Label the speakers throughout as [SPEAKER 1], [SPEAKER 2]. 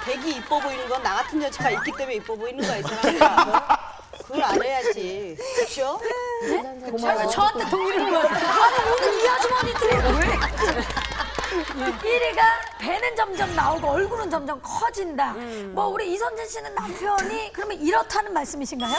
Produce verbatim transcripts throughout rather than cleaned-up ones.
[SPEAKER 1] 백이 이뻐 보이는 건 나 같은 여자가 있기 때문에 이뻐 보이는 거야, 이 사람아. 그걸 알아야지. 그렇죠?
[SPEAKER 2] 왜 저한테 동의를 해요? 아니 오늘 이 아주머니들이 왜? 일 위가 배는 점점 나오고 얼굴은 점점 커진다. 뭐 우리 이선진 씨는 남편이 그러면 이렇다는 말씀이신가요?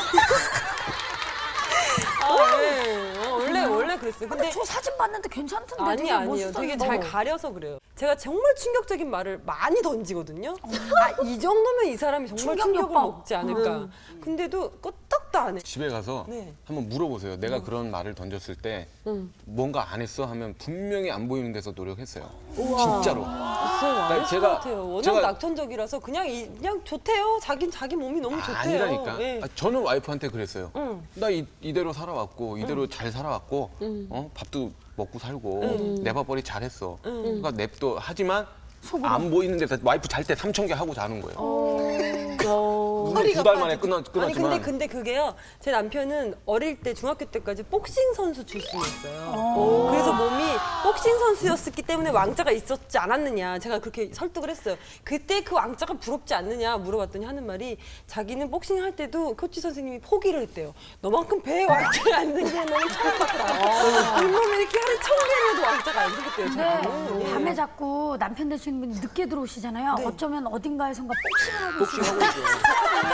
[SPEAKER 3] 아, 네. 어, 원래 원래 그랬어요. 근데
[SPEAKER 2] 저 사진 봤는데 괜찮던데
[SPEAKER 3] 아니
[SPEAKER 2] 되게
[SPEAKER 3] 아니에요. 되게
[SPEAKER 2] 멋있었는데.
[SPEAKER 3] 잘 가려서 그래요. 제가 정말 충격적인 말을 많이 던지거든요. 아, 이 정도면 이 사람이 정말 충격을
[SPEAKER 2] 충격요법.
[SPEAKER 3] 먹지 않을까. 근데도 끄떡도 안 해.
[SPEAKER 4] 집에 가서
[SPEAKER 3] 네.
[SPEAKER 4] 한번 물어보세요. 내가 그런 말을 던졌을 때 뭔가 안 했어 하면 분명히 안 보이는 데서 노력했어요. 진짜로.
[SPEAKER 3] 글쎄요, 안 했을
[SPEAKER 4] 제가-
[SPEAKER 3] 것 같아요. 워낙
[SPEAKER 4] 제가-
[SPEAKER 3] 낙천적이라서 그냥 이, 그냥 좋대요. 자긴 자기 몸이 너무 좋대요.
[SPEAKER 4] 아니라니까.
[SPEAKER 3] 예.
[SPEAKER 4] 아, 저는 와이프한테 그랬어요.
[SPEAKER 3] 응.
[SPEAKER 4] 나 이, 이대로 살아왔고 이대로 잘 살아왔고 어? 밥도 먹고 살고 내 밥벌이 잘했어. 그러니까 냅도 하지만 안 보이는 데서 와이프 잘 때 삼천 개 하고 자는 거예요. 두 달 만에 끊어,
[SPEAKER 3] 아니
[SPEAKER 4] 끊었지만
[SPEAKER 3] 근데 근데 그게요. 제 남편은 어릴 때 중학교 때까지 복싱 선수 출신이었어요. 그래서 몸이 복싱 선수였기 때문에 왕자가 있었지 않았느냐. 제가 그렇게 설득을 했어요. 그때 그 왕자가 부럽지 않느냐 물어봤더니 하는 말이 자기는 복싱 할 때도 코치 선생님이 포기를 했대요. 너만큼 배에 왕자가 안 생기는 놈이 처음 봤다. 잇몸에 이렇게 하루 천 개를 해도 왕자가 안 생겼대요. 저는.
[SPEAKER 2] 네. 밤에 자꾸 남편 되시는 분이 늦게 들어오시잖아요. 어쩌면 어딘가에선가 복싱을 하고
[SPEAKER 4] 복싱하고 있어요.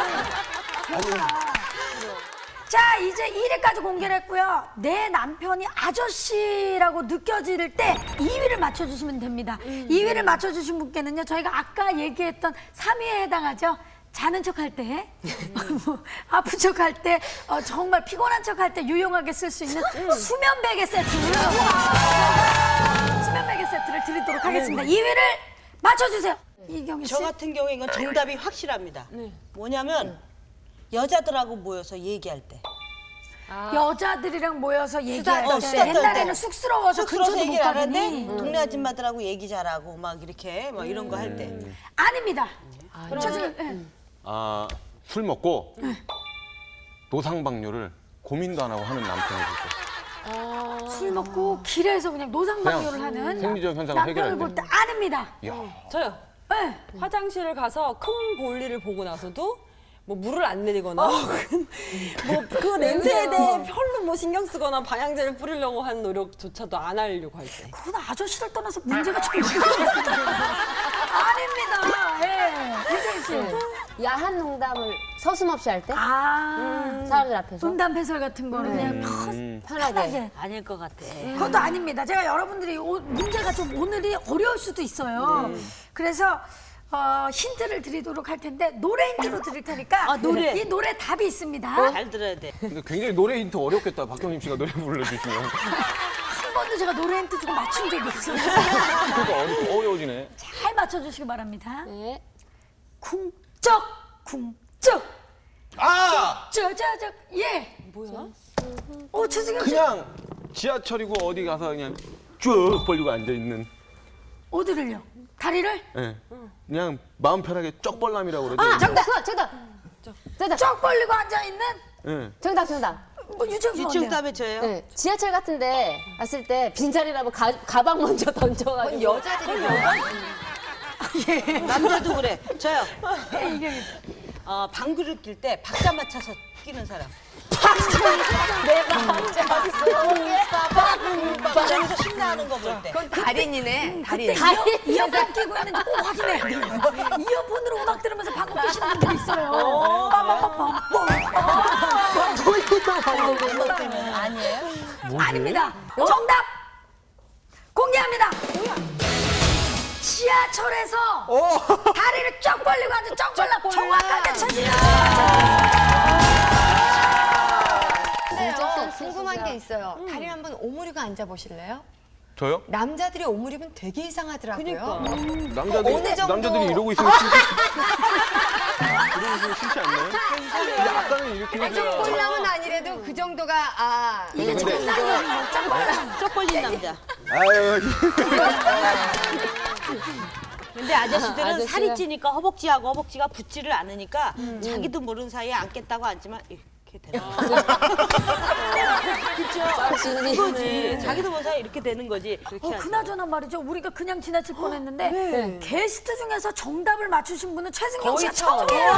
[SPEAKER 2] 자, 이제 일 위까지 공개를 했고요. 내 남편이 아저씨라고 느껴질 때 이 위를 맞춰주시면 됩니다. 이 위를 맞춰주신 분께는요, 저희가 아까 얘기했던 삼 위에 해당하죠. 자는 척 할 때, 뭐, 아픈 척 할 때, 어, 정말 피곤한 척 할 때 유용하게 쓸 수 있는 수면 베개 세트를 수면 베개 세트를 드리도록 하겠습니다. 이 위를 맞춰주세요. 이경희 씨.
[SPEAKER 1] 저 같은 경우에 이건 정답이 확실합니다. 뭐냐면 여자들하고 모여서 얘기할 때.
[SPEAKER 2] 여자들이랑 모여서 얘기할
[SPEAKER 1] 어,
[SPEAKER 2] 때
[SPEAKER 1] 수다 떨
[SPEAKER 2] 옛날에는
[SPEAKER 1] 때.
[SPEAKER 2] 쑥스러워서
[SPEAKER 1] 쑥스러워서
[SPEAKER 2] 근처도 못
[SPEAKER 1] 얘기를 안
[SPEAKER 2] 가더니
[SPEAKER 1] 하는데 동네 아줌마들하고 얘기 잘하고 막 이렇게 막 이런 거 할 때.
[SPEAKER 2] 아닙니다. 저 지금 예.
[SPEAKER 4] 아, 술 먹고 노상방뇨를 고민도 안 하고 하는 남편이 있어요.
[SPEAKER 2] 술 먹고 길에서 그냥 노상방뇨를
[SPEAKER 4] 그냥
[SPEAKER 2] 하는
[SPEAKER 4] 생리적 현상을
[SPEAKER 2] 남편을
[SPEAKER 4] 해결할
[SPEAKER 2] 볼 때
[SPEAKER 4] 때.
[SPEAKER 2] 아닙니다.
[SPEAKER 4] 이야.
[SPEAKER 3] 저요.
[SPEAKER 2] 네.
[SPEAKER 3] 화장실을 가서 큰 볼일을 보고 나서도 뭐 물을 안 내리거나 뭐 그 냄새에 대해 별로 뭐 신경 쓰거나 방향제를 뿌리려고 하는 노력조차도 안 하려고 할 때.
[SPEAKER 2] 그건 아저씨를 떠나서 문제가 좀 있는 아닙니다. 예. 유정희 씨.
[SPEAKER 5] 야한 농담을 서슴없이 할 때?
[SPEAKER 2] 아.
[SPEAKER 5] 사람들 앞에서?
[SPEAKER 2] 음담 패설 같은 거는 그냥
[SPEAKER 4] 음.
[SPEAKER 5] 편하게.
[SPEAKER 2] 편하게.
[SPEAKER 1] 아닐 것 같아.
[SPEAKER 2] 그것도 아닙니다. 제가 여러분들이 오- 문제가 좀 오늘이 어려울 수도 있어요. 그래서 어, 힌트를 드리도록 할 텐데 노래 힌트로 드릴 테니까
[SPEAKER 1] 아, 노래.
[SPEAKER 2] 이 노래 답이 있습니다.
[SPEAKER 1] 잘 들어야 돼.
[SPEAKER 4] 근데 굉장히 노래 힌트 어렵겠다. 박경림 씨가 노래 불러주시면.
[SPEAKER 2] 한 번도 제가 노래 힌트 주고 맞춘 적이 없어요.
[SPEAKER 4] 그러니까 어려, 어려워지네.
[SPEAKER 2] 잘 맞춰주시기 바랍니다.
[SPEAKER 5] 네.
[SPEAKER 2] 쿵쩍 쿵쩍
[SPEAKER 4] 아!
[SPEAKER 2] 저저저 예.
[SPEAKER 3] 뭐야?
[SPEAKER 2] 어 최승현 씨
[SPEAKER 4] 그냥 지하철이고 어디 가서 그냥 쭉 벌리고 앉아있는.
[SPEAKER 2] 어디를요? 다리를
[SPEAKER 4] 예. 그냥 마음 편하게 쪽벌남이라고 그러죠.
[SPEAKER 5] 아, 정답! 그거, 정답! 정답!
[SPEAKER 2] 쩍 벌리고 앉아 있는
[SPEAKER 4] 예.
[SPEAKER 5] 정답, 정답.
[SPEAKER 2] 뭐 유정수
[SPEAKER 1] 유치원
[SPEAKER 2] 언니요.
[SPEAKER 1] 답에 저예요.
[SPEAKER 5] 네. 지하철 같은데 왔을 때 빈자리라면 가, 가방 먼저 던져가지고. 여자들이
[SPEAKER 1] 남자도 그래. 저요.
[SPEAKER 2] 예, 이경희 씨.
[SPEAKER 1] 어, 방귀를 낄 때 박자 맞춰서 끼는 사람.
[SPEAKER 5] 내가
[SPEAKER 1] 박자에서 신나는 거 볼 때.
[SPEAKER 6] 그건 달인이네. 달인.
[SPEAKER 2] 그때 이어, 이어폰 끼고 있는지 꼭 확인해야 돼요. 이어폰으로 음악 들으면서 방귀 끼시는 분들이 있어요. 빠바바밤.
[SPEAKER 1] 아니에요?
[SPEAKER 2] 아닙니다. 정답 공개합니다. 지하철에서 다리를 쫙 벌리고 앉아 쫙 벌려 정확하게 쳐주세요.
[SPEAKER 6] 근데요, 궁금한 게 있어요. 다리 한번 오므리고 앉아보실래요?
[SPEAKER 4] 저요?
[SPEAKER 6] 남자들이 오므리면 되게 이상하더라고요.
[SPEAKER 3] 그러니까.
[SPEAKER 4] 남자들이,
[SPEAKER 6] 어느 정도-
[SPEAKER 4] 남자들이 이러고 있으면 싫지. 이러고 있으면 싫지 않나요? 근데 아까는 이렇게 해줘야.
[SPEAKER 6] 꼴랑은 아니래도 그 정도가 아
[SPEAKER 4] 이게 근데
[SPEAKER 1] 쪽 벌린 남자.
[SPEAKER 4] 아유,
[SPEAKER 1] 근데 아저씨들은
[SPEAKER 5] 아저씨가-
[SPEAKER 1] 살이 찌니까 허벅지하고 허벅지가 붙지를 않으니까 자기도 모르는 사이에 앉겠다고 앉지만 이- 이렇게 되는 거지.
[SPEAKER 5] 지훈이.
[SPEAKER 1] 네. 그거지. 자기도 모사 이렇게 되는 거지. 그렇게
[SPEAKER 2] 어,
[SPEAKER 1] 하지.
[SPEAKER 2] 그나저나 말이죠. 우리가 그냥 지나칠 뻔했는데
[SPEAKER 3] 네.
[SPEAKER 2] 게스트 중에서 정답을 맞추신 분은 최승경
[SPEAKER 3] 거의
[SPEAKER 2] 씨가 처음이에요.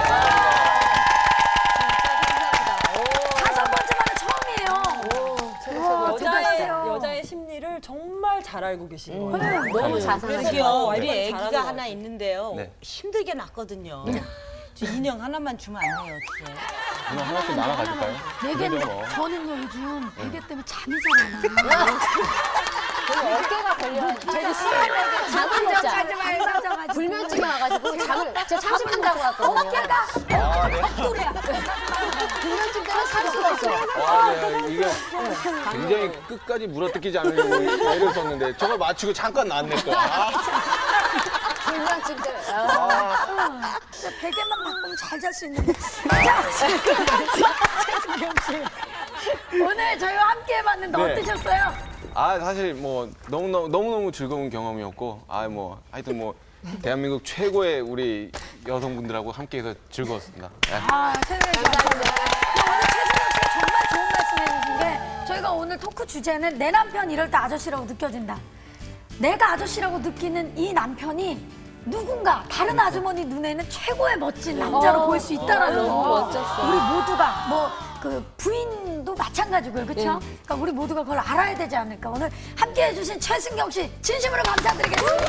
[SPEAKER 2] 다섯 번째 만에 처음이에요. 우와,
[SPEAKER 3] 여자의
[SPEAKER 2] 대단하세요.
[SPEAKER 3] 여자의 심리를 정말 잘 알고 계신 거예요.
[SPEAKER 5] 너무 자상하다.
[SPEAKER 1] 그러게요. 우리
[SPEAKER 3] 네.
[SPEAKER 1] 애기가
[SPEAKER 3] 잘하는
[SPEAKER 1] 하나
[SPEAKER 3] 것
[SPEAKER 1] 있는데요.
[SPEAKER 4] 네.
[SPEAKER 1] 힘들게 낳거든요. 저 인형 하나만 주면 안 돼요, 어떻게?
[SPEAKER 4] 그럼 하나씩 나눠 가질까요?
[SPEAKER 2] 베개
[SPEAKER 4] 그러죠, 뭐.
[SPEAKER 2] 저는요 요즘 베개 때문에 잠이 잘 안 와요.
[SPEAKER 5] 어깨가 걸려. 저기 수술하고 잠을 못 자.
[SPEAKER 2] 맞아.
[SPEAKER 5] 불면증이 와가지고 잠을 진짜 삼십 분 자고 왔거든요.
[SPEAKER 2] 어깨가
[SPEAKER 4] 아, 네.
[SPEAKER 5] 불면증 때문에 살 수가 없어.
[SPEAKER 4] 와, 네. 이게 굉장히 끝까지 물어뜯기지 않으려고 애를 썼는데 저걸 맞추고 잠깐 나왔네 또. 아,
[SPEAKER 5] 불면증 때문에. 아.
[SPEAKER 2] 진짜 베개만 바꾸면 잘 잘 수 있는데. 자, 최승경 씨. 오늘 저희와 함께 해봤는데
[SPEAKER 4] 네.
[SPEAKER 2] 어떠셨어요?
[SPEAKER 4] 아 사실 뭐 너무너무 너무너무 즐거운 경험이었고 아 뭐 하여튼 뭐 대한민국 최고의 우리 여성분들하고 함께해서 즐거웠습니다. 네.
[SPEAKER 2] 아, 최승경 씨 감사합니다. 오늘 최승경 씨가 정말 좋은 말씀 해주신 게 저희가 오늘 토크 주제는 내 남편 이럴 때 아저씨라고 느껴진다. 내가 아저씨라고 느끼는 이 남편이 누군가 다른 아주머니 눈에는 최고의 멋진 남자로
[SPEAKER 5] 어,
[SPEAKER 2] 보일 수 있다라는
[SPEAKER 5] 어, 너무
[SPEAKER 2] 거.
[SPEAKER 5] 멋졌어.
[SPEAKER 2] 우리 모두가 뭐 그 부인도 마찬가지고요, 그렇죠? 그러니까 우리 모두가 그걸 알아야 되지 않을까. 오늘 함께해주신 최승경 씨 진심으로 감사드리겠습니다.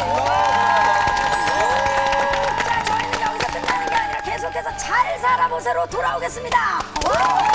[SPEAKER 2] 자, 저희는 여기서 끝나는 게 아니라 계속해서 잘 살아보세로 돌아오겠습니다.